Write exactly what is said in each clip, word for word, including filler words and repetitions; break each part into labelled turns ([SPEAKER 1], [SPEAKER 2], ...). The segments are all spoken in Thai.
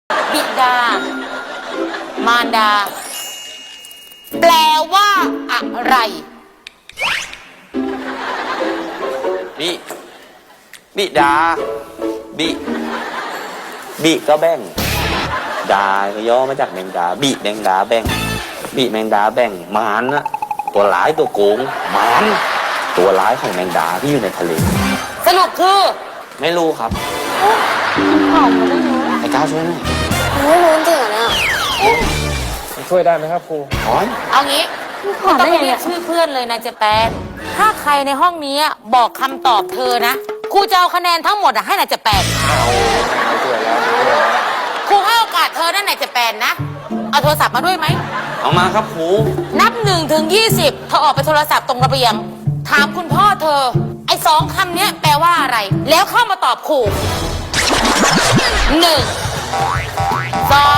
[SPEAKER 1] บิดามารดาแปลว่าอะไร
[SPEAKER 2] บิบิดาบิบิก็แบ่งดาก็ย่อมาจากแมงดาบิแมงดาแบ่งบิแมงดาแบ่งมารนะตัวร้ายตัวโกงมารตัวร้ายของแมงดาที่อยู่ในทะเล
[SPEAKER 1] สรุปคือ
[SPEAKER 2] ไม่รู้ครับ
[SPEAKER 1] ตอบมาได้ไง
[SPEAKER 2] ไอ้ก้าวช่วยหน่อย
[SPEAKER 1] ไม่รู้จริงเหรอเนี่ย
[SPEAKER 3] ช่วยได้ไหมครับครู
[SPEAKER 2] อ๋อ
[SPEAKER 1] เอางี้ไม่ต้องไปเรียกชื่อเพื่อนเลยนะเจแปนถ้าใครในห้องนี้บอกคำตอบเธอนะครูจะเอาคะแนนทั้งหมดให้นายเจแปน
[SPEAKER 3] เอาช่วยแล้วช่วยแล้ว
[SPEAKER 1] ครูให้โอกาสเธอนั่นนายเจแปนนะเอาโทรศัพท์มาด้วยไหม
[SPEAKER 2] เอามาครับครู
[SPEAKER 1] นับหนึ่งถึงยี่สิบเธอออกไปโทรศัพท์ตรงระเบียงถามคุณพ่อเธอไอ้สองคำนี้แปลว่าอะไรแล้วเข้ามาตอบครูหนึ่งสอง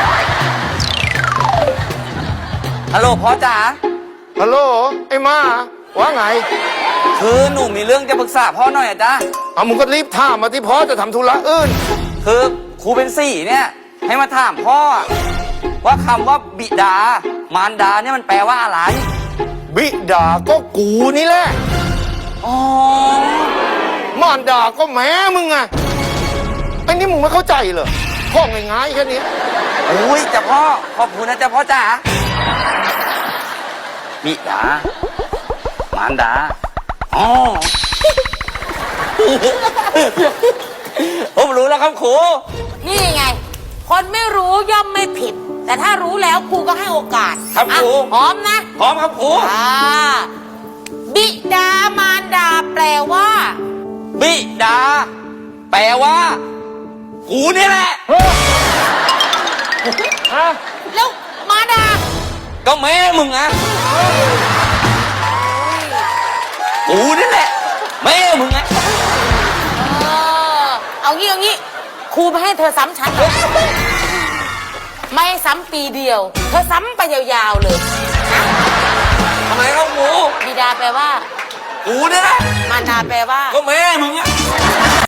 [SPEAKER 2] ฮัลโหลพ่อจ๋า
[SPEAKER 3] ฮัลโหลไอ้มาว่าไง
[SPEAKER 2] คือหนูมีเรื่องจะปรึกษาพ่อหน่อยอะจ๊ะ
[SPEAKER 3] เอามึงก็รีบถามมาที่พ่อจะทำธุระอื่น
[SPEAKER 2] คือครูเป็นสี่เนี่ยให้มาถามพ่อว่าคำว่าบิดามารดาเนี่ยมันแปลว่าอะไร
[SPEAKER 3] บิดาก็กูนี่แหละ
[SPEAKER 2] อ๋อ
[SPEAKER 3] มารดาก็แม่มึงไงไอ้นี่มึงไม่เข้าใจเหรอพ่อง่ายๆแค่นี้
[SPEAKER 2] อุ้ยจ้ะพ่อขอบคุณนะจ้ะพ่อจ๋าบิดามารดาอ๋อผมรู้แล้วครับครู
[SPEAKER 1] นี่ไงคนไม่รู้ย่อมไม่ผิดแต่ถ้ารู้แล้วครูก็ให้โอกาส
[SPEAKER 2] ครับครู
[SPEAKER 1] พร้อมนะ
[SPEAKER 2] พร้อมครับครู
[SPEAKER 1] อ่าบิดามารดาแปลว่า
[SPEAKER 2] บิดาแปลว่ากูนี่แหละ
[SPEAKER 1] แล้วมารดา
[SPEAKER 2] ก็แม่มึงอะกูนี่แหละแม่มึงอะ
[SPEAKER 1] เออเอางี้เอางี้ครูไม่ให้เธอซ้ำชั้นเลยไม่ซ้ำปีเดียวเธอซ้ำไปยาวๆเลยนะ
[SPEAKER 2] ทำไมครับครู
[SPEAKER 1] บิดาแปลว่า
[SPEAKER 2] กูนี่แหละ
[SPEAKER 1] มารดาแปลว่า
[SPEAKER 2] ก็แม่มึงอะ